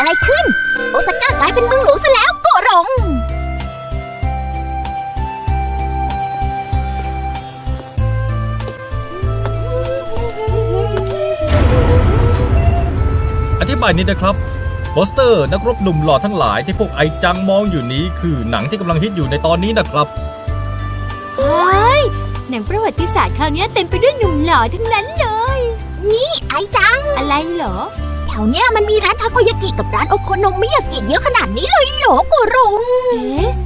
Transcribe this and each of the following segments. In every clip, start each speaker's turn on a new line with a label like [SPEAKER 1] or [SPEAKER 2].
[SPEAKER 1] อะไรขึ้นโอซาก้ากลายเป็นเมืองหลวงซะแล้วโกรง
[SPEAKER 2] อธิบายนิดนะครับโปสเตอร์นักรบหนุ่มหล่อทั้งหลายที่พวกไอจังมองอยู่นี้คือหนังที่กำลังฮิตอยู่ในตอนนี้นะครับ
[SPEAKER 3] เฮ้ยหนังประวัติศาสตร์คราวนี้เต็มไปด้วยหนุ่มหล่อทั้งนั้นเลย
[SPEAKER 1] นี่ไอจัง
[SPEAKER 3] อะไรเหรอ
[SPEAKER 1] แถวเนี้ยมันมีร้านทาโกยากิกับร้านโอโคโนมิยากิเยอะขนาดนี้เลยเหรอโกรง
[SPEAKER 3] เอ๊ะ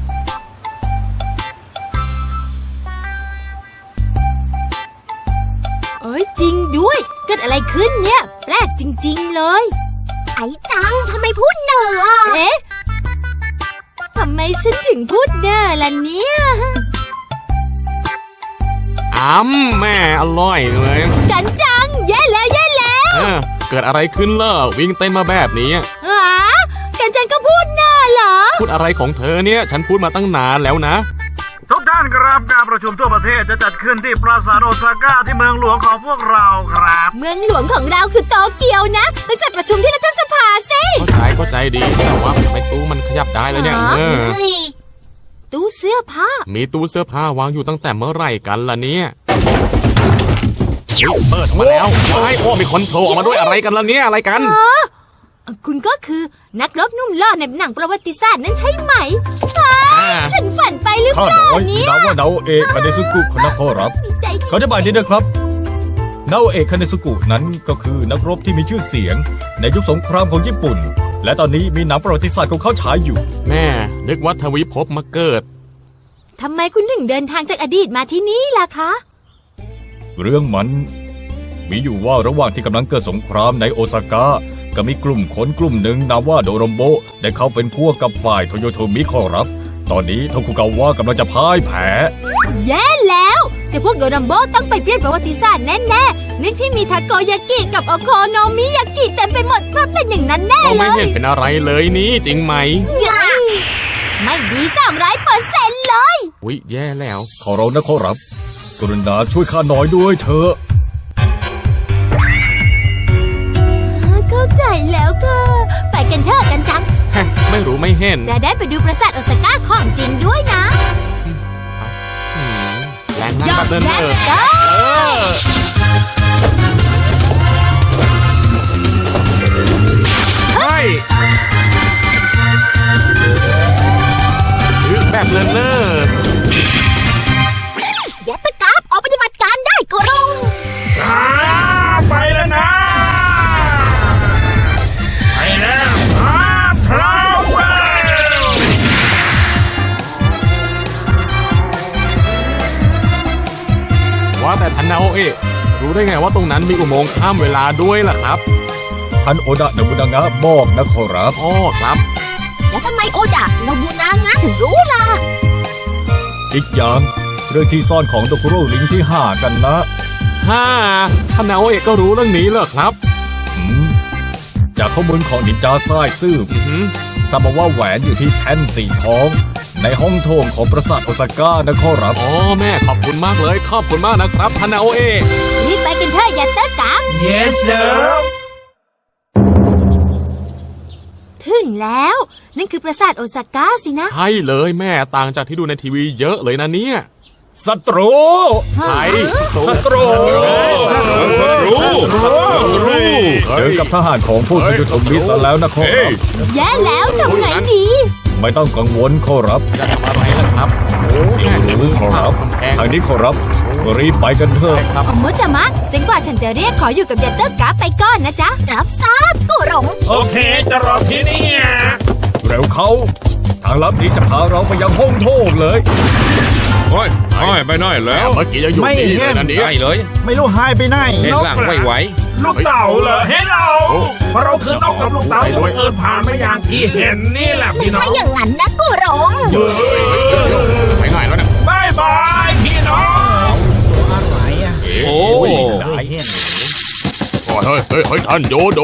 [SPEAKER 3] เอ้ยจริงด้วยเกิดอะไรขึ้นเนี่ยแปลกจริงๆเลย
[SPEAKER 1] ไอจังทำไมพูดเหน่ออ่ะ
[SPEAKER 3] เอ๊ะทำไมฉันถึงพูดเน่อล่ะเนี่ย
[SPEAKER 4] แม่อร่อยเลย
[SPEAKER 3] กันจังแย่แล้วแย่แล้ว
[SPEAKER 4] เกิดอะไรขึ้นล่ะวิ่งเต้นมาแบบนี้
[SPEAKER 3] กันจังก็พูดเน่อเหรอ
[SPEAKER 4] พูดอะไรของเธอเนี่ยฉันพูดมาตั้งนานแล้วนะ
[SPEAKER 5] ทุกท่านครับการประชุมทั่วประเทศจะจัดขึ้นที่ปราสาทโอซาก้าที่เมืองหลวงของพวกเราครับ
[SPEAKER 3] เมืองหลวงของเราคือโตเกียวนะไปจัดประชุมที่รัฐสภาสิ
[SPEAKER 4] เข้าใจดีแต่ว่าไม่ตู้มันขยับได้แล้วเนี่ย
[SPEAKER 1] เฮ้ย
[SPEAKER 3] ตู้เสื้อผ้า
[SPEAKER 4] มีตู้เสื้อผ้าวางอยู่ตั้งแต่เมื่อไหร่กันล่ะเนี่ยเปิดมาแล้วมีคนโทรออกมาด้วยอะไรกันล่ะเนี่ยอะไรกัน
[SPEAKER 3] คุณก็คือนักรบหนุ่มหล่อในหนังประวัติศาสตร์นั้นใช่ไหมฉันฝันไปหรือ
[SPEAKER 2] ข้า
[SPEAKER 3] เปล่า
[SPEAKER 2] น้อย
[SPEAKER 3] เนี่ย
[SPEAKER 2] นามว่านาโอเอะคาเนซุกุคนนะครับ
[SPEAKER 3] ใจ
[SPEAKER 2] ขออธิบายนิดนะครับนาโอเอะคาเนซุกุนั้นก็คือนักรบที่มีชื่อเสียงในยุคสงครามของญี่ปุ่นและตอนนี้มีหนังประวัติศาสตร์ของเขาฉายอยู่
[SPEAKER 4] แม่นึกว่าทวิภพมาเกิด
[SPEAKER 3] ทำไมคุณถึงเดินทางจากอดีตมาที่นี่ล่ะคะ
[SPEAKER 2] เรื่องมันมีอยู่ว่าระหว่างที่กำลังเกิดสงครามในโอซาก้าก็มีกลุ่มคนกลุ่มหนึ่งนามว่าโดโรมโบได้เข้าเป็นพวกกับฝ่ายโตโยโทมิขอรับตอนนี้โทคุกาวะกำลังจะพ่ายแพ้
[SPEAKER 3] แย่แล้วเจะพวกโดรัมโบต้องไปเปลี่ยนประวัติศาสตร์แน่ๆนึกที่มีทาโกยากิกับโอโคโนมิยากิเต็มไปหมดเพราะเป็นอย่างนั้นแน่
[SPEAKER 4] ก็
[SPEAKER 3] เล
[SPEAKER 4] ไม่
[SPEAKER 3] ย
[SPEAKER 4] เห็นเป็นอะไรเลยนี่จริงไหม
[SPEAKER 3] ไม่ดี200%เลย
[SPEAKER 4] อุ๊ยแย่แล้ว
[SPEAKER 2] ขอร้องนะขอรับกรุณาช่วยข้าหน่อยด้วยเถอะ
[SPEAKER 3] เข้าใจแล้วก็ไปกันเถอะกันจัง
[SPEAKER 4] ไม่รู้ไม่เห็น
[SPEAKER 3] จะได้ไปดูปราสาทโอซาก้าของจริงด้วยนะ
[SPEAKER 4] แรงมากแบบนั้น
[SPEAKER 3] และ
[SPEAKER 4] เออ เฮ้ยแบบเลินเล่อ
[SPEAKER 1] ยัตตะกราฟออกปฏิบัติการได้โกรง
[SPEAKER 5] ไปแล้วนะไปแล้วพร้อมแล้ว
[SPEAKER 4] ว่าแต่ทันนาโอเอะรู้ได้ไงว่าตรงนั้นมีอุโมงค์ข้ามเวลาด้วยล่ะครับ
[SPEAKER 2] ท่านโอดะนบุนางะบอกนะขอรับ
[SPEAKER 4] อ๋อครับ
[SPEAKER 1] แล้วทำไมโอดะเราบูนางะถึงรู้ล่ะ
[SPEAKER 2] อีกอย่างเรื่องที่ซ่อนของโดคุโรลิงที่5กันนะ
[SPEAKER 4] ทันนาโอเอะก็รู้เรื่องนี้เหรอครับ
[SPEAKER 2] จากข้อมูลของนินจาซ่ายซื่อ
[SPEAKER 4] อือหือ
[SPEAKER 2] ทราบมาว่าแหวนอยู่ที่แท่นสีทอง ในห้องโถงของปราสาทโอซาก้านะขอรับ
[SPEAKER 4] อ๋อแม่ขอบคุณมากเลยขอบคุณมากนะครับทันนาโอเอะ
[SPEAKER 3] รีบไปกันเถอะยัตเตอร์กราฟ
[SPEAKER 5] Yes sir
[SPEAKER 3] ถึงแล้วนั่นคือปราสาทโอซาก้าสินะ
[SPEAKER 4] ใช่เลยแม่ต่างจากที่ดูในทีวีเยอะเลยนะเนี่ย
[SPEAKER 2] ศัตรู
[SPEAKER 4] ใช่
[SPEAKER 2] ศัตรูเจอกับทหารของพวกที่ยุทธมิสแล้วนะขอรับ
[SPEAKER 3] แย่แล้วทำไงดี
[SPEAKER 2] ไม่ต้องกังวลขอรับ
[SPEAKER 4] จะทำอะไรล่ะครับ
[SPEAKER 2] เดี๋ยวรู้ขอรับ
[SPEAKER 4] กำแพง
[SPEAKER 2] ทางนี้ขอรับรีบไปกันเถอะ
[SPEAKER 4] ครับ
[SPEAKER 3] มุจามะจนกว่าฉันจะเรียกขออยู่กับยัตเตอร์กราฟไปก่อนนะจ๊ะ
[SPEAKER 1] รับทราบโกรง
[SPEAKER 5] โอเคจะรอที่นี่
[SPEAKER 2] เร็วเขาทางลับนี้จะพาเราไปยังห้องโถงเลย
[SPEAKER 6] โอ้ยไม่ได้แล้ว
[SPEAKER 4] เมื่อกี้ยังอยู่
[SPEAKER 5] ไม่
[SPEAKER 4] นี่
[SPEAKER 5] เห็
[SPEAKER 4] เลย
[SPEAKER 5] น
[SPEAKER 4] นะเนี่ย
[SPEAKER 6] ได้เลย
[SPEAKER 5] ไม่รู้หายไปไหน
[SPEAKER 6] เห็นหลังไม่ไหว
[SPEAKER 5] ลูกเต่าเหรอเฮ้เราเพราะเราคือนกกับลูกเต่าที่บังเอิญผ่านมาอย่างที่เห็นนี่แหละ
[SPEAKER 1] ไม่
[SPEAKER 5] พี่น้อ
[SPEAKER 1] ใช่
[SPEAKER 5] ง
[SPEAKER 1] อย่างนั้นนะโกรง
[SPEAKER 4] ไปไหนแล้วเนี่ย
[SPEAKER 5] บายบายพี่น้องอะไรอ่ะ
[SPEAKER 6] โอ้
[SPEAKER 5] ได้เห็น
[SPEAKER 4] เฮ้ยท่านโยโด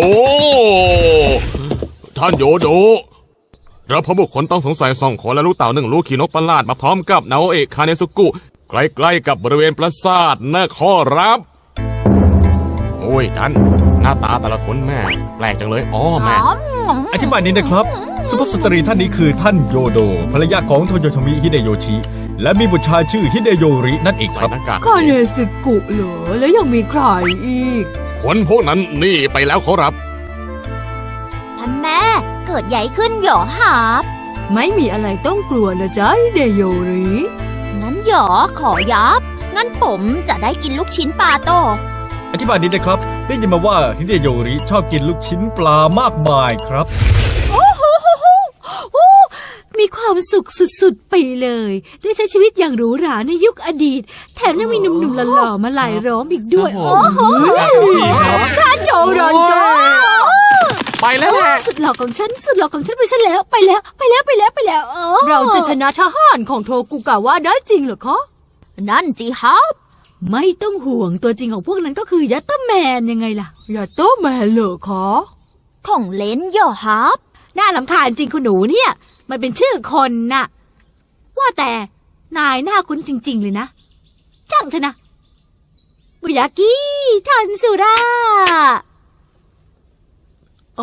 [SPEAKER 4] เราพบบุคคลต้องสงสัย2 คนและลูกเต่า1 ลูกขี่นกประหลาดมาพร้อมกับนาโอเอะคาเนซุกุใกล้ๆกับบริเวณปราสาทนะขอรับโอ้ยท่านหน้าตาแต่ละคนแม่แปลกจังเลยอ๋อแม่
[SPEAKER 2] อธิบายนี้นะครับสุภาพสตรีท่านนี้คือท่านโยโดภรรยาของโทโยโทมิฮิเดโยชิและมีบุตรชายชื่อฮิเดโยรินั่นเองค
[SPEAKER 4] ใส่
[SPEAKER 2] รับ
[SPEAKER 4] หน้ากาก
[SPEAKER 3] คาเนซึกุเหรอแล้วยังมีใครอีก
[SPEAKER 4] คนพวกนั้นหนี่ไปแล้วขอรับ
[SPEAKER 1] ท่านแม่เกิดใหญ่ขึ้นเหรอครับ
[SPEAKER 3] ไม่มีอะไรต้องกลัวนะจ๊ะฮิเดโยริ
[SPEAKER 1] งั้นหยอขอยับ งั้นผมจะได้กินลูกชิ้นปลาโต
[SPEAKER 2] อธิบายนี้นะครับได้ยินมาว่าฮิเดโยริชอบกินลูกชิ้นปลามากมายครับ
[SPEAKER 7] มีความสุขสุดๆไปเลย ได้ใช้ชีวิตอย่างหรูหราในยุคอดีต แถมยังมีหนุ่มๆหล่อๆมาหลายล้อมอีกด้วย โอ้โห
[SPEAKER 3] ท่านโดรันโจ
[SPEAKER 4] ไปแล้วแหละ
[SPEAKER 7] สุดหล่อของฉันสุดหล่อของฉันไปซะแล้วไปแล้ว
[SPEAKER 3] เราจะชนะทหารของโทกุกาวะได้จริงเหรอคะ
[SPEAKER 1] นั่นจีครับ
[SPEAKER 7] ไม่ต้องห่วงตัวจริงของพวกนั้นก็คือยัตเตอร์แมนยังไงล่ะ
[SPEAKER 3] อย่าโต้แม่เหรอคะ
[SPEAKER 1] ของเล่นเหรอครับ
[SPEAKER 7] น่าลำคาญจริงคุณหนูเนี่ย มันเป็นชื่อคนน่ะ ว่าแต่นายหน้าคุ้นจริง ๆ เลยนะช่างเถอะนะบุยากิทันสุราโอ้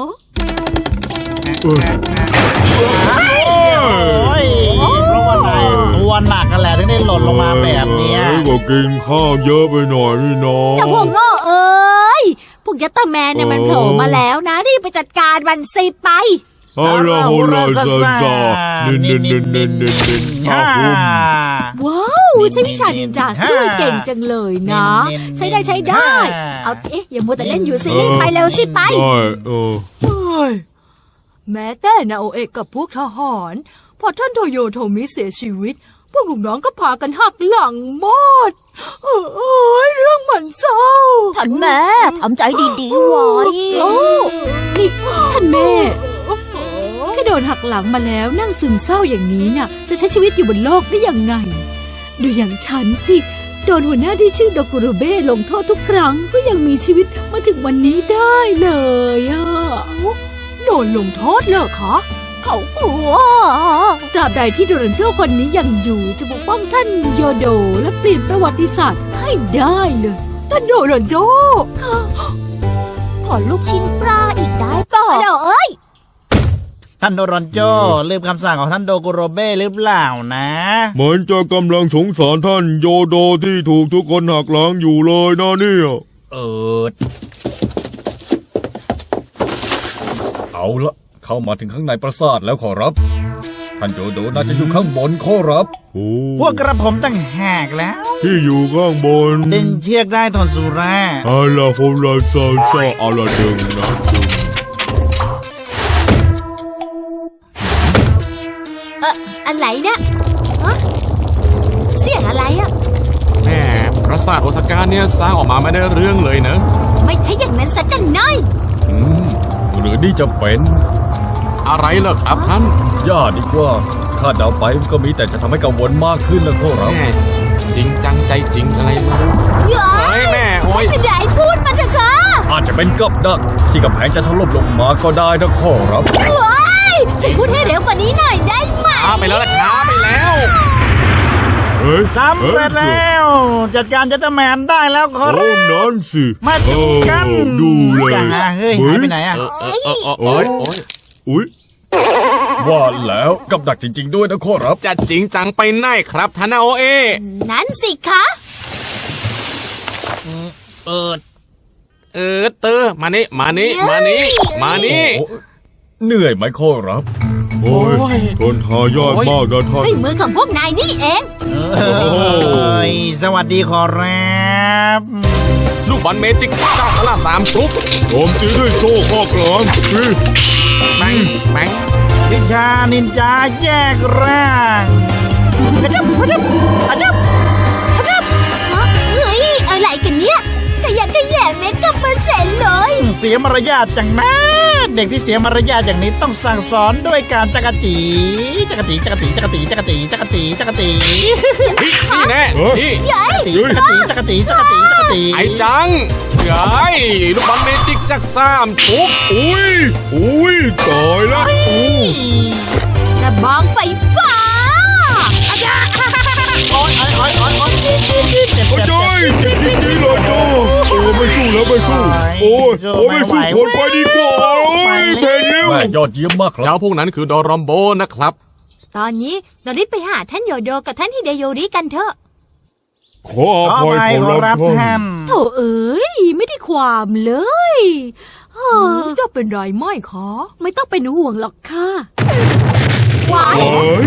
[SPEAKER 5] โอ้ยเพราะว่านายตัวหนักกันแหละถึงได้หล่นลงมาแบบเนี้ย
[SPEAKER 6] ก็กินข้าวเยอะไปหน่อยนี่น้อง
[SPEAKER 7] เจ้าพวกโง่เอ้ยพวกยัตเตอร์แมนเนี่ยมันโผล่มาแล้วนะรีบไปจัดการมันสิไป
[SPEAKER 6] อาราโฮลาซาซาเน้นเน้นเน้นเน้นเน้นเน้นอาคุม
[SPEAKER 7] ว้าวใช้วิชานินจาด้วยเก่งจังเลยนะ ใช้ได้ เอาเอ๊ะอย่ามัวแต่เล่นอยู่สิรีบไปเร็วสิไป
[SPEAKER 6] ได้
[SPEAKER 3] เฮ้ยแม้แต่นาโอเอะกับพวกทหารพอท่านโทโยโทมิเสียชีวิต พวกลูกน้องก็พากันหักหลังหมดเอ้ยเรื่องมันเศร้า
[SPEAKER 1] ท่านแม่ทำใจดีๆไว้
[SPEAKER 7] โอ้นี่ท่านแม่แค่โดนหักหลังมาแล้วนั่งซึมเศร้าอย่างนี้น่ะ จะใช้ชีวิตอยู่บนโลกได้ยังไง ดูอย่างฉันสิโดนหัวหน้าที่ชื่อโดกุโรเบ้ลงโทษทุกครั้งก็ยังมีชีวิตมาถึงวันนี้ได้เลยอ่ะ
[SPEAKER 3] โดนลงโทษเหรอคะ
[SPEAKER 1] เขากลัว
[SPEAKER 7] ตราบใดที่โดรันโจ้คนนี้ยังอยู่จะปกป้องท่านโยโดและเปลี่ยนประวัติศาสตร์ให้ได้เลย
[SPEAKER 3] ท่านโดรันโจ
[SPEAKER 1] ขอลูกชิ้นปลาอีกได้ป่ะเดี๋ยวเอ้ย
[SPEAKER 5] ท่านโดรอนโจลืมคำสั่งของท่านโดกุโรเบ้หรือเปล่านะ
[SPEAKER 6] เหมือนจะกำลังสงสารท่านโยโดที่ถูกทุกคนหักหลังอยู่เลยนะเนี่ย
[SPEAKER 2] เอาละเข้ามาถึงข้างในปราสาทแล้วขอรับ ท่านโยโดน่าจะอยู่ข้างบนขอรับ
[SPEAKER 6] โอ้
[SPEAKER 5] พวกกระผมตั้งแหกแล้ว
[SPEAKER 6] ที่อยู่ข้างบน
[SPEAKER 5] ดึงเชือกได้ทนสุรา
[SPEAKER 6] อาราโฮลาซาซาอาราดึงนะ
[SPEAKER 3] อะไรนะฮะเสียงอะไรอะ
[SPEAKER 4] แม่ปราสาทโอซาก้าเนี่ยสร้างออกมาไม่ได้เรื่องเลยนะ
[SPEAKER 3] ไม่ใช่อย่างนั้นสักกันน้อย
[SPEAKER 2] หรือนี่จะเป็น
[SPEAKER 4] อะไรเหรอครับท่าน
[SPEAKER 2] ย่าดีกว่าคาดเดาไปก็มีแต่จะทำให้กังวลมากขึ้นนะขอรับ
[SPEAKER 4] แม่จริงจังใจจริงอะไรไม่รู้เฮ้ยแม่โอ้ย
[SPEAKER 3] ไม่เป็นไรพูดมาเถอะค่ะ
[SPEAKER 2] อาจจะเป็นกับดักที่กำแพงจะถล่มลงมาก็ได้นะขอรับ
[SPEAKER 3] ฉันพูดให้เร็วกว่านี้หน่อยได้ไหม
[SPEAKER 4] ช้าไปแล้วล่ะช้าไปแล้ว
[SPEAKER 6] เฮ้ย
[SPEAKER 5] สำเร็จแล้ว จัดการจัตเตอร์แมนได้แล้วขอ
[SPEAKER 6] โอ้
[SPEAKER 5] รับ
[SPEAKER 6] นั่นสิ
[SPEAKER 5] มาดูกัน
[SPEAKER 6] ดูเลย
[SPEAKER 5] จังอะเฮ้ยหายไปไหนอะ
[SPEAKER 4] โอ้ยโอ้ย
[SPEAKER 6] อุ้ย
[SPEAKER 2] ว่าแล้วกับดักจริง ๆ ด้วยนะขอรับ
[SPEAKER 4] จะจริงจังไปไหนครับท่านนาโอเอะ
[SPEAKER 3] นั้นสิคะ
[SPEAKER 4] เตอร์มานี่มานี่มานี่มานี่
[SPEAKER 2] โอ้เหนื่อยไหมขอรับ
[SPEAKER 6] โอ้ยทนทายากมากนะท่าน
[SPEAKER 3] ฝีมือของพวกนายนี่เอง
[SPEAKER 5] เอ้ยสวัสดีขอรับ
[SPEAKER 4] ลูกบอลเมจิกเจ้าตลาดสามชุบ
[SPEAKER 6] ผมตีด้วยโซ่ข้อกลางนี่
[SPEAKER 4] แบงแบง
[SPEAKER 5] วิชานินจาแยกร่างกระจับกระจับกระจับกระจับ
[SPEAKER 3] เฮ้ย อะไรกันเนี่ยกระยักกระแยงเมกะเปอร์เซ็นต์เลย
[SPEAKER 5] เสียมารยาทจังนะ เด็กที่เสียมารยาทอย่างนี้ต้องสั่งสอนด้วยการจักรจีจักรจีจักรจีจักรจีจักรจีจักรจีจักรจี
[SPEAKER 4] นี่แน่นี่
[SPEAKER 5] จักรจีจักรจีจักรจีจักรจี
[SPEAKER 4] ไอ้จังเฮ้ยลูกบอลเมจิกจากสามชุบ
[SPEAKER 6] อุ้ยอุ้ยตายแล้วอู้
[SPEAKER 3] ระบองไฟฟ้า
[SPEAKER 5] โอ๊ยโอ๊ยโอ๊ยโอ๊ยโอ๊ยเจ็บเจ็บเจ็บ
[SPEAKER 6] โอ้
[SPEAKER 5] เจ็บ
[SPEAKER 6] ยเจ็บจริงๆเลยโจ้โอ้แไม่สู้แล้วไม่สู้โอ้ยโอ้ยไม่สู้คนไปดีกว่าโอ้ยเทนนิว
[SPEAKER 2] แม่ยอดเยี่ยมมากครับ
[SPEAKER 4] เจ้าพวกนั้นคือโดรอมโบนะครับ
[SPEAKER 1] ตอนนี้เรารีบไปหาท่านโยโดกับท่านฮิเดโยริกันเถอะ
[SPEAKER 6] ขออภัยขอรับท่าน
[SPEAKER 7] โถเอ้ยไม่ได้ความเลยเออ
[SPEAKER 3] จะเป็นไรไหมคะ
[SPEAKER 7] ไม่ต้องเป็นห่วงหรอกค่ะ
[SPEAKER 6] เฮ้ย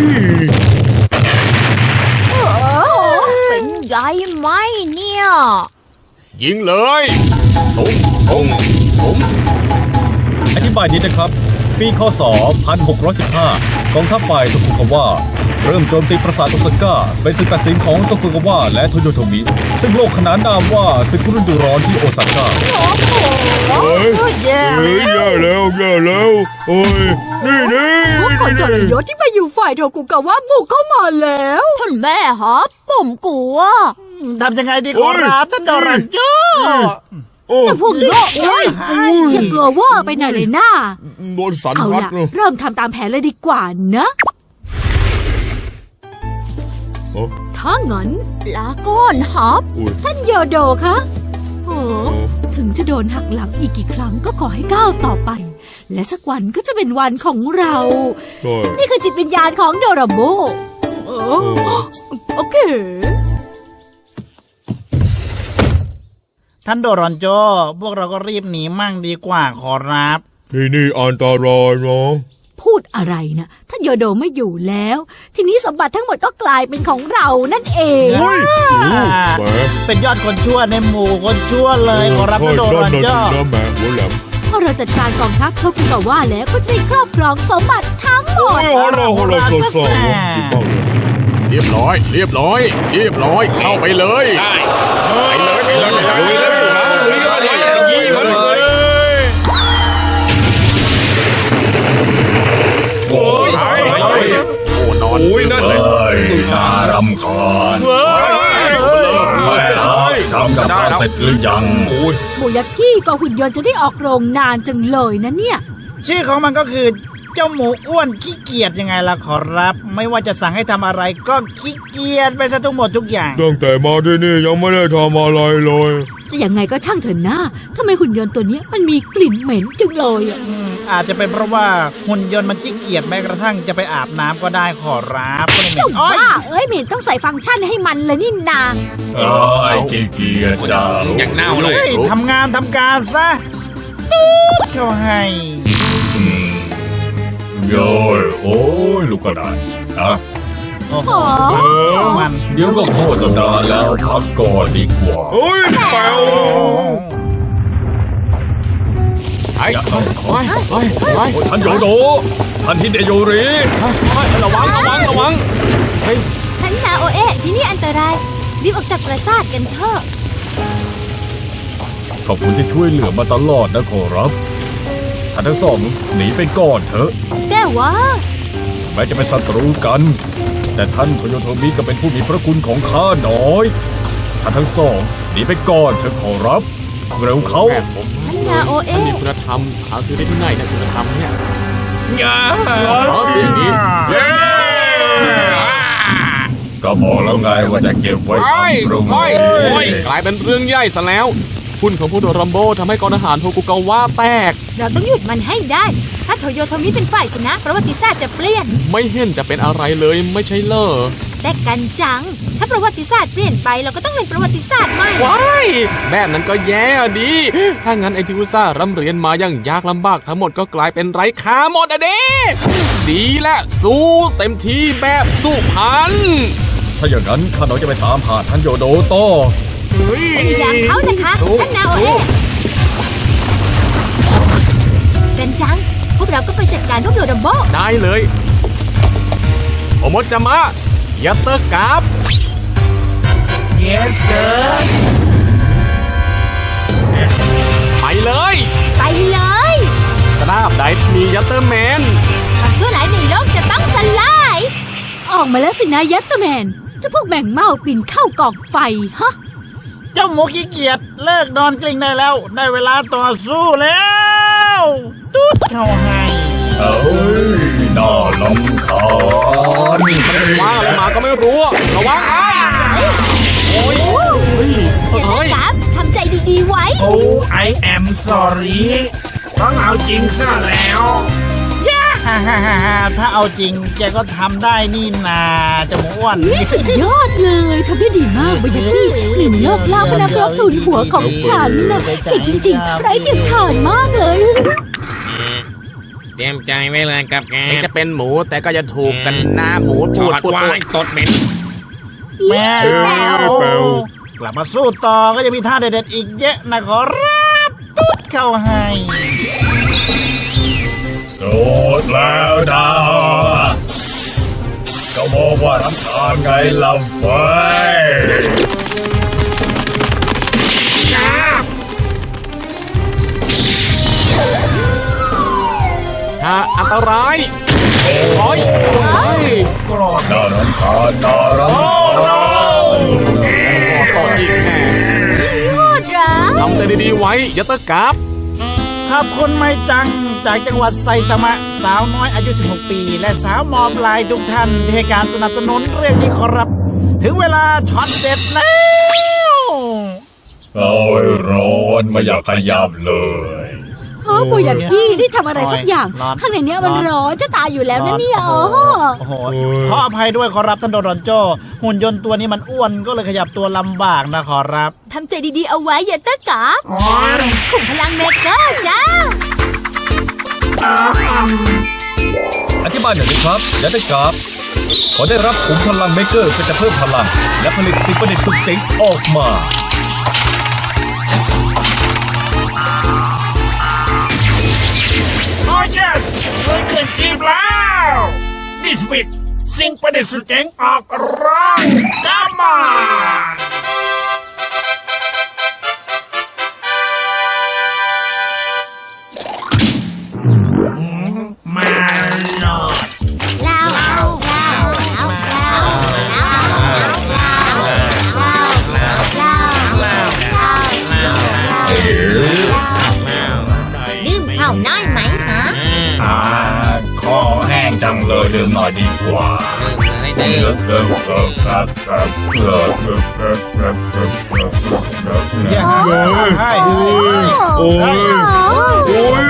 [SPEAKER 1] เป็นไงไหมเนี่ย
[SPEAKER 4] ยิงเลยตุ้งตุ้งตุ้ง
[SPEAKER 2] อธิบายนิดนะครับ ปีคศ 1615 กองทัพฝ่ายโตคุกาวะเริ่มโจมตีปราสาทโอซาก้าเป็นศึกตัดสินของโตคุกาวะและโทโยโทมิ ซึ่งโลกขนานนามว่าศึกฤดูร้อนที่โอซาก้า
[SPEAKER 6] เฮ้ย
[SPEAKER 5] แย่
[SPEAKER 6] เฮ้ยแย่แล้วแย่แล้วเฮ้ยนี่นี่
[SPEAKER 3] พวกคนทรยศที่ไปอยู่ฝ่ายโทกุกาวะบุกเข้ามาแล้ว
[SPEAKER 1] ท่านแม่ครับผมกลัว
[SPEAKER 5] ทำยังไงดีขอรับท่านโดรันโจ
[SPEAKER 6] โอ้
[SPEAKER 7] จะพวกโลกเอ้ยอย่ากลัวเว่าไปหน่อยเลยนะ
[SPEAKER 6] โดนสัน
[SPEAKER 7] เอา
[SPEAKER 6] พัด
[SPEAKER 7] ล่ะ
[SPEAKER 6] เนอะ
[SPEAKER 7] เริ่มทำตามแผนเลยดีกว่านะ
[SPEAKER 3] ถ้างั้น
[SPEAKER 1] ลาก้อนครับ
[SPEAKER 6] อุ้ย
[SPEAKER 7] ท่านโยโดคะ
[SPEAKER 3] เออ
[SPEAKER 7] ถึงจะโดนหักหลังอีกกี่ครั้งก็ขอให้ก้าวต่อไป และสักวันก็จะเป็นวันของเรา
[SPEAKER 6] ใช่
[SPEAKER 7] นี่คือจิตวิญญาณของโดราโม
[SPEAKER 3] เออโอเค
[SPEAKER 5] ท่านโดรันโจ พวกเราก็รีบหนีมั่งดีกว่าขอรับ
[SPEAKER 6] ที่นี่อันตรายเนาะ
[SPEAKER 7] พูดอะไรนะท่านโยโดไม่อยู่แล้ว ทีนี้สมบัติทั้งหมดก็กลายเป็นของเรานั่นเอง
[SPEAKER 6] เฮ้ยแหม
[SPEAKER 5] เป็นยอดคนชั่วในหมู่คนชั่วเลยขอรับท่านโดรันโจ
[SPEAKER 6] ใช่นั่นน่ะสินะแหมหัวแหลม
[SPEAKER 7] พอเราจัดการกองทัพโทกุกาวะแล้วก็จะได้ครอบครองสมบัติทั้งหม
[SPEAKER 6] โอ้
[SPEAKER 7] ด
[SPEAKER 6] ยโหเราสดๆดีมากเลย
[SPEAKER 4] เรียบร้อย เรียบร้อย เรียบร้อย เข้าไปเลยไปเลยไปเลยไปเลยยิงมันเลย
[SPEAKER 2] โอ้ย
[SPEAKER 4] โอ้นอน
[SPEAKER 2] โอ้ยนั่นเลยน่ารำคาญแม่ทำกับข้าวเสร็จหรือยัง
[SPEAKER 7] โมยากิกับหุ่นยนต์จะได้ออกโรงนานจังเลยนะเนี่ย
[SPEAKER 5] ชื่อของมันก็คือเจ้าหมูอ้วนขี้เกียจยังไงล่ะขอรับ ไม่ว่าจะสั่งให้ทำอะไรก็ขี้เกียจไปซะทั้งหมดทุกอย่าง
[SPEAKER 6] ตั้งแต่มาที่นี่ยังไม่ได้ทำอะไรเลย
[SPEAKER 7] จะยังไงก็ช่างเถอะนะทำไมหุ่นยนต์ตัวเนี้ยมันมีกลิ่นเหม็นจังเลยอะ
[SPEAKER 5] อาจจะเป็นเพราะว่าหุ่นยนต์มันขี้เกียจแม้กระทั่งจะไปอาบน้ำก็ได้ขอรับก็เลยเหม็
[SPEAKER 7] เจ้าน
[SPEAKER 5] อ้อย
[SPEAKER 7] บ้าเอ้ยเหม็นต้องใส่ฟังก์ชันให้มันเลยนี่นา
[SPEAKER 2] ไอ้ขี้เกียจจ้า
[SPEAKER 4] อย่างเน่าเลย
[SPEAKER 5] เฮ้ยทำงานทำการซะเข้าให้
[SPEAKER 2] โย้ยโอ้ยลูกกระดาษอ่ะ
[SPEAKER 5] โอ้โหมัน
[SPEAKER 2] เดี๋ยวก็โฆษณาแล้วพักก่อนดีกว่า
[SPEAKER 6] เฮ้ยแป๋ว
[SPEAKER 4] ไอ้ไปไป
[SPEAKER 2] โอ้ยท่านโยโดท่านฮิเดโยริ
[SPEAKER 4] ระวังระวังระวังเฮ้ย
[SPEAKER 1] ท่านนาโอเอะที่นี่อันตราย รีบออกจากปราสาทกันเถอะ
[SPEAKER 2] ขอบคุณที่ช่วยเหลือมาตลอดนะขอรับท่านทั้งสองหนีไปก่อนเถอะ
[SPEAKER 1] แต่ว่า
[SPEAKER 2] แม้จะเป็นศัตรูกัน แต่ท่านโทโยโทมิก็เป็นผู้มีพระคุณของข้าน้อยท่านทั้งสองหนีไปก่อนเถอะขอรับ เร็วเข้า
[SPEAKER 4] แม่ผม
[SPEAKER 1] ท่านนาโอ
[SPEAKER 4] มัน
[SPEAKER 1] เอะ
[SPEAKER 4] มีคุณธรรมหาซื้อได้ที่ไหนนะคุณธรรมเนี่ย
[SPEAKER 2] อย่า
[SPEAKER 4] อ๋อเสียงนี้
[SPEAKER 2] ก็บอกแล้วไงว่าจะเก็บไว้ทำโรงเรียน
[SPEAKER 4] กลายเป็นเรื่องใหญ่ซะแล้วคุณของผู้โดรัมโบทำให้กองทหารโทกุกาวะแตก
[SPEAKER 1] เราต้องหยุดมันให้ได้ ถ้าโทโยโทมิเป็นฝ่ายชนะประวัติศาสตร์จะเปลี่ยน
[SPEAKER 4] ไม่เห็นจะเป็นอะไรเลยไม่ใช่เหรอ
[SPEAKER 1] แต่กันจัง ถ้าประวัติศาสตร์เปลี่ยนไปเราก็ต้องเป็นประวัติศาสตร์ใหม่
[SPEAKER 4] ว้ายแบบนั้นก็แย่ดี ถ้างั้นไอ้ที่อุตส่าห์ร่ำเรียนมาอย่างยากลำบากทั้งหมดก็กลายเป็นไร้ค่าหมดอะเด้ดีและสู้เต็มที่แบบสุพรรณ
[SPEAKER 2] ถ้าอย่างนั้นข้าน้อยจะไปตามหาท่านโยโดต่อ
[SPEAKER 1] พยายามเขานะคะ ท่านนาโอเอะกันจัง พวกเราก็ไปจัดการพวกโดรัมโบ
[SPEAKER 4] ได้เลยโอโมจามะยัตเตอร์กราฟ
[SPEAKER 5] yes sir
[SPEAKER 4] ไปเลย
[SPEAKER 1] ไปเลย
[SPEAKER 4] ตราบใดที่มียัตเตอร์แมน
[SPEAKER 1] ความชั่วร้ายในโลกจะต้องสลาย
[SPEAKER 7] ออกมาแล้วสินะยัตเตอร์แมนเจะพวกแมงเม่าปีนเข้ากองไฟฮะ
[SPEAKER 5] เจ้าหมูขี้เกียจเลิกนอนกลิ้งได้แล้ว ได้เวลาต่อสู้แล้วตุ๊ดเข้าให้
[SPEAKER 2] เอ้ยน่าลำคาญ
[SPEAKER 4] ว่าอะไรมาก็ไม่รู้ ระวังไอ้โอ้ยเฮ้ย
[SPEAKER 1] อย่า
[SPEAKER 4] เฮ้ย
[SPEAKER 1] กราฟทำใจดีดีๆไว้
[SPEAKER 5] โอ้ I am sorry ต้องเอาจริงซะแล้วฮ่าฮ่าฮ่าฮ่าถ้าเอาจริงแกก็ทำได้นี่นาจะหมูอ้วน
[SPEAKER 7] สุดยอดเลยทำได้ดีมากบายากิหลินโลกล่าพนักรบสูนหัวของฉันนะเก่งจริงๆไร้เทียมทานมากเลย
[SPEAKER 8] เตรียมใจไว้เลยกับแก
[SPEAKER 4] ถึงจะเป็นหมูแต่ก็จะถูกกันนะหมู
[SPEAKER 8] จ
[SPEAKER 4] ปู
[SPEAKER 8] อ
[SPEAKER 4] ด
[SPEAKER 8] ด
[SPEAKER 4] ปูด
[SPEAKER 8] ไว้
[SPEAKER 4] ปูด
[SPEAKER 8] ตดเหม็น
[SPEAKER 5] แม่กลับมาสู้ต่อก็ยังมีท่าเด็ดๆอีกเยอะนะขอรับตุ๊ดเข้าให้
[SPEAKER 2] สุดแล้วนะจะบอกว่ารำคาญไงลำไฟ
[SPEAKER 4] ถ้าอันตรายโอ้ยโอ้ย
[SPEAKER 5] กรอด
[SPEAKER 2] น่ารำคาญน่ารำคาญ
[SPEAKER 4] ตดอีกแน่
[SPEAKER 1] โคตรรัก
[SPEAKER 4] ทำใจดีๆไว้อย่าเตะกลับ
[SPEAKER 5] ขอบคุณไม่จังจากจังหวัดไซตามะสาวน้อยอายุ 16 ปี และสาวมอปลายทุกท่านที่ให้การสนับสนุนเรื่องนี้ขอรับ ถึงเวลาช็อตเด็ดแล้ว
[SPEAKER 2] เอาไอ้ร้อนไม่อยากขยับเลย
[SPEAKER 7] โอ้บายากิได้ทำอะไรสักอย่าง
[SPEAKER 5] ร้อน
[SPEAKER 7] ข้างในเนี้ยมันร้อนจะตายอยู่แล้วนะเนี่ย
[SPEAKER 5] โอ้โหขออภัยด้วยขอรับท่านโดรอนโจหุ่นยนต์ตัวนี้มันอ้วนก็เลยขยับตัวลำบากนะขอรับ
[SPEAKER 1] ทำใจดีๆเอาไว้อย่าเตะกะขุมพลังเมกาจ้า
[SPEAKER 2] อธิบายหน่อยสิครับยัตติกราฟพอได้รับขุมพลังเมเกอร์ก็จะเพิ่มพลัง และผลิตสิ่งประดิษฐ์สุดเจ๋งออกมา
[SPEAKER 5] โอ้ yes ฟื้นขึ้นจีบแล้วดิสบิดสิ่งประดิษฐ์สุดเจ๋งออกร่างกามามาโลด
[SPEAKER 1] ดื่มข้าวน้อยไหมฮะ
[SPEAKER 2] คอแห้งจังเลยดื่มหน่อยดีกว่า
[SPEAKER 8] ให้ดื่ม
[SPEAKER 5] อย่าให้
[SPEAKER 6] โอ้ยโอ้ย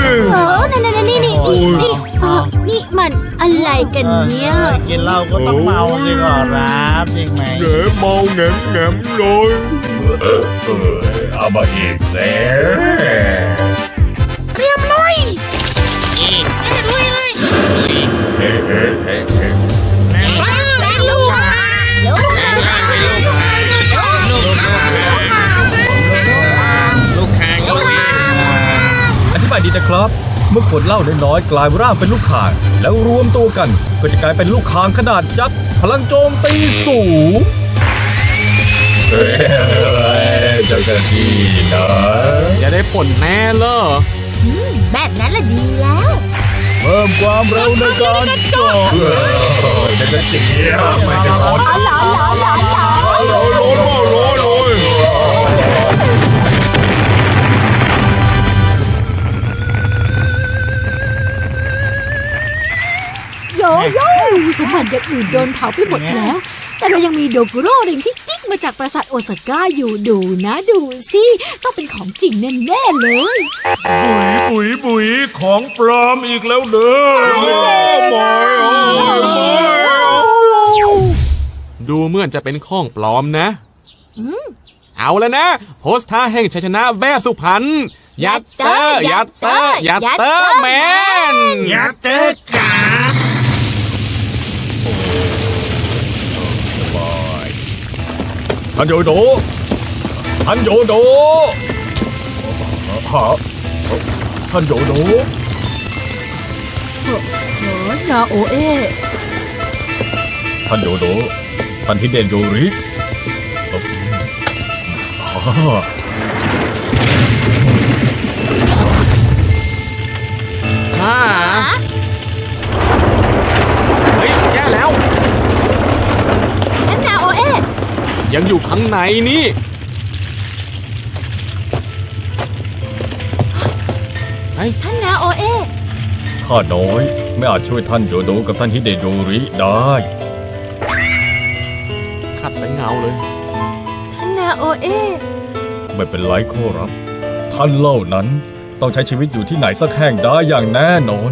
[SPEAKER 1] นี่มันอะไรกันเนี่ย
[SPEAKER 5] กินเหล้าก็ต้องเมาสิขอรับจริงไหม
[SPEAKER 6] แหนเมาแหนมแหนมเลย
[SPEAKER 2] เอามาอีกเซ่
[SPEAKER 8] อีกลุยเลย
[SPEAKER 2] เฮ้เฮ้เฮ้เฮ้
[SPEAKER 1] ลูก
[SPEAKER 8] ลูกคางก็วิ่ง
[SPEAKER 2] อธิบายดีนะครับ เมื่อขวดเหล้าน้อยๆกลายร่างเป็นลูกข่าง แล้วรวมตัวกันก็จะกลายเป็นลูกข่างขนาดยักษ์พลังโจมตีสูงเจ้าหน้าที่นะ
[SPEAKER 4] จะได้ผลแน่เลย
[SPEAKER 1] แบบนั้นละดีแล้ว
[SPEAKER 2] เพิ่มความเร็วในการเจาะจะกระเจี๊ยบไม่ใช่คน
[SPEAKER 6] ร้อนมากร้อนเลย
[SPEAKER 7] โยโย่สมบัติอย่างอื่นโดนเผาไปหมดแล้ว แต่เรายังมีโดกุโร่ริงที่จิกมาจากปราสาทโอซาก้าอยู่ดูนะดูสิต้องเป็นของจริงแน่ๆเลย
[SPEAKER 6] บุ๋ยของปลอมอีกแล้วเด้อไม่
[SPEAKER 4] ดูเหมือนจะเป็นข้องปลอมนะเอาแล้วนะ โพสท่าแห่งชัยชนะแบบสุพรรณยัตเตอร์ยัตเตอร์ยัตเตอร์แมน
[SPEAKER 5] อย่าเจอกัน
[SPEAKER 2] ท่านโยโดท่านโยโดฮะท่านโยโด
[SPEAKER 3] นาโอเอ
[SPEAKER 2] ท่านโยโดท่านฮิเดนโยริอ๋อ
[SPEAKER 4] ฮ่าเฮ้ยแย่แล้ว
[SPEAKER 1] ท่านนาโอเอะ
[SPEAKER 4] ยังอยู่ข้างในนี่ เฮ้ย
[SPEAKER 1] ท่านนาโอเอะ
[SPEAKER 2] ข้าน้อยไม่อาจช่วยท่านโยโดกับท่านฮิเดนโยริได้
[SPEAKER 4] ขัดแสงเงาเลย
[SPEAKER 1] ท่านนาโอเอะ
[SPEAKER 2] ไม่เป็นไรขอรับ ท่านเล่านั้นต้องใช้ชีวิตอยู่ที่ไหนสักแห่งได้อย่างแน่นอน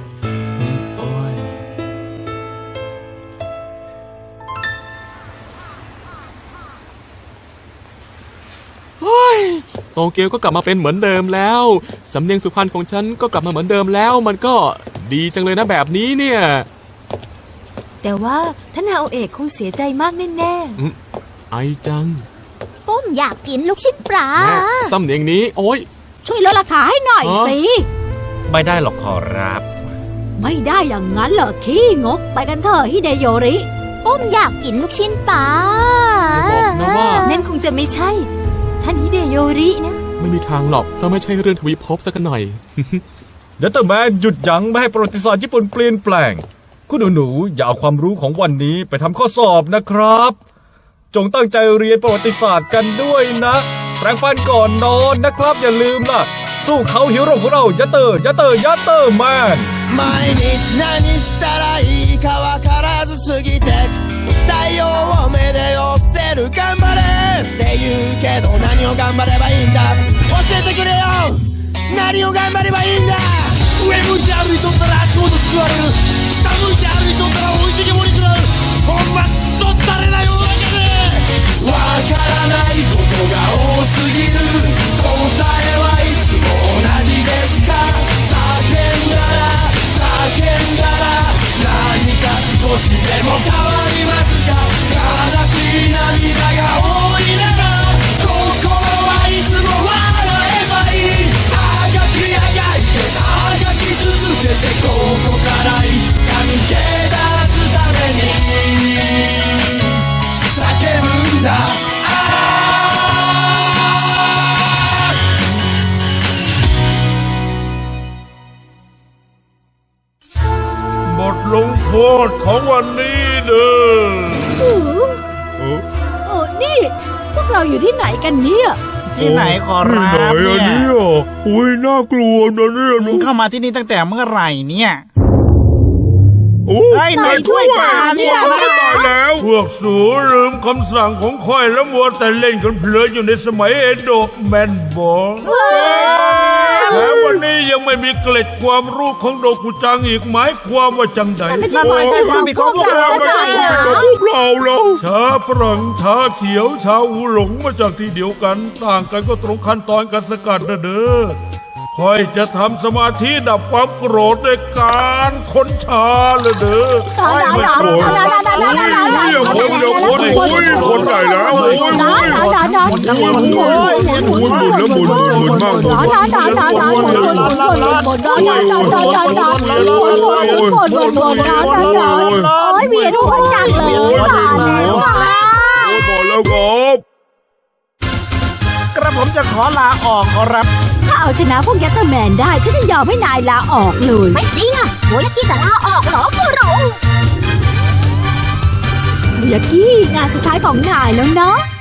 [SPEAKER 4] โตเกียวก็กลับมาเป็นเหมือนเดิมแล้ว สำเนียงสุพรรณของฉันก็กลับมาเหมือนเดิมแล้ว มันก็ดีจังเลยนะแบบนี้เนี่ย
[SPEAKER 3] แต่ว่าท่านนาโอเอะคงเสียใจมากแน่
[SPEAKER 4] ไอจัง
[SPEAKER 1] ปุ้มอยากกินลูกชิ้นปลา
[SPEAKER 4] แม่สำเนียงนี้โอ๊ย
[SPEAKER 7] ช่วยลดราคาให้หน่อย
[SPEAKER 4] ฮะ
[SPEAKER 7] สิ
[SPEAKER 2] ไม่ได้หรอกขอรับ
[SPEAKER 7] ไม่ได้อย่างนั้นเหรอขี้งก ไปกันเถอะฮิเดโยริ
[SPEAKER 1] ปุ้มอยากกินลูกชิ้นปลา
[SPEAKER 4] อย่าบอกนะว่า
[SPEAKER 3] ๆ นั่นคงจะไม่ใช่ ท่านฮิเดโยรินะ
[SPEAKER 4] ไม่มีทางหรอกเพราะไม่ใช่เรื่องทวีภพสักหน่อย
[SPEAKER 2] ยัตเตอร์แมนหยุดยั้งไม่ให้ประวัติศาสตร์ญี่ปุ่นเปลี่ยนแปลง คุณหนูๆอย่าเอาความรู้ของวันนี้ไปทำข้อสอบนะครับ จงตั้งใจเรียนประวัติศาสตร์กันด้วยนะ แปรงฟันก่อนนอนนะครับอย่าลืมล่ะ สู้เขาฮีโร่ของเรายัตเตอร์แมน
[SPEAKER 9] 毎日何したらいいかわからずすぎて太陽を目で追ってる頑張れって言うけど何を頑張ればいいんだ教えてくれよ何を頑張ればいいんだ上向いて歩いとったら足元すくわれる下向いて歩いとったら置いてけぼり食らうほんまクソったれな世の中でわからないことが多すぎる答えはいつも同じですか叫んだら何か少しでも変わりますか悲しい涙が多いなら心はいつも笑えばいいあがきあがいてあがき続けてここからいつか抜け出すために叫ぶんだ
[SPEAKER 6] บทลงโทษของวันนี้เด้อ
[SPEAKER 7] นี่ พวกเราอยู่ที่ไหนกันเนี่ย
[SPEAKER 5] ที่ไหนขอ
[SPEAKER 6] ที่
[SPEAKER 5] รับ
[SPEAKER 6] ไหนอัน
[SPEAKER 5] เนี่
[SPEAKER 6] นี้
[SPEAKER 5] ย
[SPEAKER 6] อ่ะอุ้ยน่ากลัวนะเนี่ย
[SPEAKER 5] มึงเข้ามาที่นี่ตั้งแต่เมื่อไหร่เนี่ย
[SPEAKER 6] โอ้
[SPEAKER 5] เฮ้ยไหนถ้วยชาเนี่ย
[SPEAKER 6] ตายแล้วพวกสูลืมคำสั่งของค่อยแล้วมัวแต่เล่นกันเพลินอยู่ในสมัยเอโดะแมนบอกแถมวันนี้ยังไม่มีเกล็ดความรู้ของโดกุจังอีกหมายความว่าจังใด
[SPEAKER 7] แต่ไม่ใช่ความผิดของพวกเราสักหน่อยอะ
[SPEAKER 6] พวกเราแล้วชาฝรั่งชาเขียวชาอูหลงมาจากที่เดียวกัน ต่างกันก็ตรงขั้นตอนการสกัดนะเด้อค่อยจะทำสมาธิดับความโกรธในการค้นชาเลยเด้อคนใหญ่แล้วโอ้ยหมุนมาก
[SPEAKER 7] เวียนหัวจังเลย
[SPEAKER 6] บอกแล้วครับ
[SPEAKER 5] กระผมจะขอลาออกขอรับ
[SPEAKER 7] ถ้าเอาชนะพวกยัตเตอร์แมนได้ฉันจะยอมให้นายลาออกเลย
[SPEAKER 1] ไม่จริงอ่ะโมยากิจะลาออกเหรอคุโร
[SPEAKER 7] ยากี้งานสุดท้ายของนายแล้วเนาะ